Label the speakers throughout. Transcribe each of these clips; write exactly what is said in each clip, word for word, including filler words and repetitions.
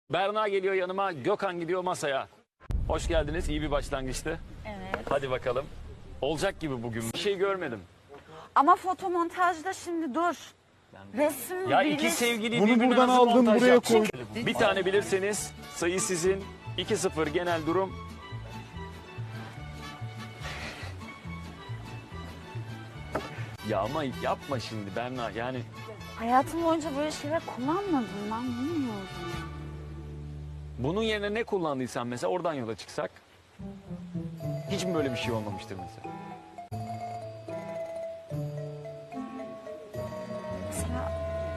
Speaker 1: Berna geliyor yanıma, Gökhan gidiyor masaya. Hoş geldiniz, iyi bir başlangıçtı.
Speaker 2: Evet.
Speaker 1: Hadi bakalım. Olacak gibi bugün. Bir şey görmedim.
Speaker 2: Ama fotomontajda şimdi dur. Resim
Speaker 1: Ya
Speaker 2: bilir-
Speaker 1: iki sevgili
Speaker 3: Bunu
Speaker 1: birbirine
Speaker 3: buradan
Speaker 1: nasıl
Speaker 3: aldım,
Speaker 1: montaj
Speaker 3: buraya
Speaker 1: yapacak?
Speaker 3: koydum.
Speaker 1: Bir tane bilirseniz sayı sizin. iki sıfır genel durum. Ya ama yapma şimdi Berna, yani
Speaker 2: Hayatım boyunca böyle şeyler kullanmadım ben bilmiyorum.
Speaker 1: bunun yerine ne kullandıysan mesela oradan yola çıksak. Hiç mi böyle bir şey olmamıştır mesela?
Speaker 2: Mesela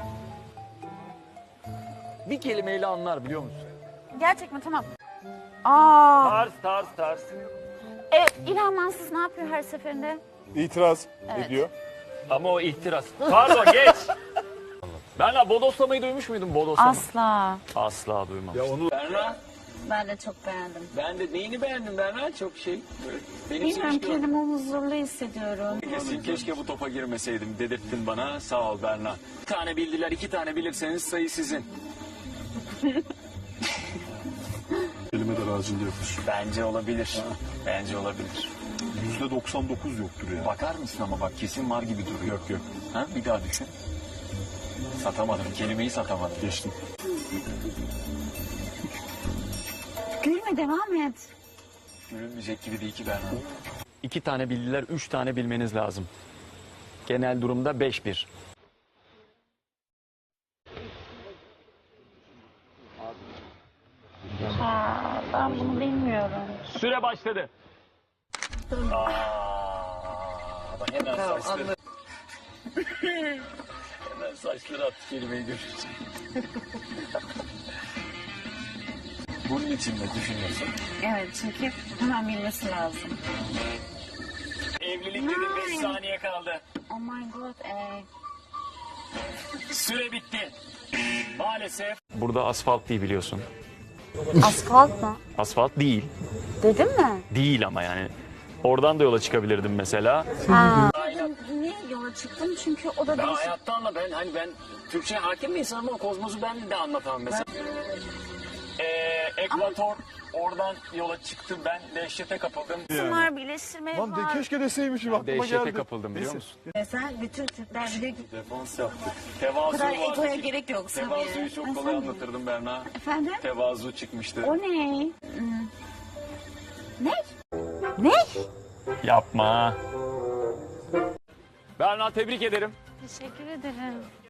Speaker 1: Bir kelimeyle anlar biliyor musun?
Speaker 2: gerçek mi? Tamam. Aa,
Speaker 1: Tarz tarz tarz.
Speaker 2: e, İlhan Mansız ne yapıyor her seferinde?
Speaker 3: İtiraz
Speaker 2: Evet.
Speaker 3: ediyor.
Speaker 1: Ama o ihtiras. Pardon geç. Berna bodoslamayı duymuş muydun bodoslama?
Speaker 2: Asla.
Speaker 1: Asla duymamıştım.
Speaker 3: Ya onu
Speaker 1: Berna
Speaker 2: Ben de çok beğendim.
Speaker 1: ben de neyini beğendim Berna çok şey. Benim
Speaker 2: Bilmiyorum kendimi huzurlu hissediyorum.
Speaker 1: Kesin keşke bu topa girmeseydim dedirttin bana. Sağ ol Berna. Bir tane bildiler, iki tane bilirseniz sayı sizin.
Speaker 3: kelime de razında yapmış.
Speaker 1: Bence olabilir. Bence olabilir.
Speaker 3: yüzde doksan dokuz yoktur ya.
Speaker 1: Bakar mısın ama bak kesin var gibi duruyor. Yok yok. Ha, bir daha düşün. Satamadım. Kelimeyi satamadım.
Speaker 3: Geçtim.
Speaker 2: Gülme devam et.
Speaker 1: Gülünmeyecek gibi değil ki Berna. İki tane bildiler, üç tane bilmeniz lazım. Genel durumda beş bir.
Speaker 2: Ha, ben bunu bilmiyorum.
Speaker 1: Süre başladı. Aa, bak hemen saçları. Hemen saçları attı kelimeyi görünce. Bunun için mi düşünüyorsun?
Speaker 2: Evet çünkü hemen bilmesi lazım.
Speaker 1: Evlilik dedim beş saniye kaldı.
Speaker 2: Oh my god. E,
Speaker 1: Süre bitti. Maalesef. Burada asfalt değil biliyorsun.
Speaker 2: asfalt mı?
Speaker 1: Asfalt değil.
Speaker 2: Dedim mi?
Speaker 1: Değil ama yani. Oradan da yola çıkabilirdim mesela.
Speaker 2: Ha. Niye yola çıktım? Çünkü o da
Speaker 1: Ben
Speaker 2: değişik.
Speaker 1: hayatta anla ben hani ben Türkçe hakim bir insanım ama kozmosu ben de anlatamam mesela. Ee, Ekvator oradan yola çıktım ben dehşete kapıldım.
Speaker 2: İsim var, birleştirme
Speaker 3: Lan de
Speaker 2: var.
Speaker 3: keşke deseymişim aklıma
Speaker 1: Dehşete
Speaker 3: geldi.
Speaker 1: kapıldım biliyor musun?
Speaker 2: Mesela bütün Türkler biliyor ki
Speaker 1: Defans yaptık.
Speaker 2: bu
Speaker 1: Tevazu
Speaker 2: kadar
Speaker 1: vardı.
Speaker 2: egoya gerek yok.
Speaker 1: Tevazuyu
Speaker 2: Sabiha.
Speaker 1: çok
Speaker 2: Ben
Speaker 1: kolay
Speaker 2: sen-
Speaker 1: anlatırdım Berna.
Speaker 2: Efendim?
Speaker 1: Tevazu çıkmıştı.
Speaker 2: O ne? Hmm. Ne? Ne?
Speaker 1: Yapma. Berna tebrik ederim.
Speaker 2: Teşekkür ederim.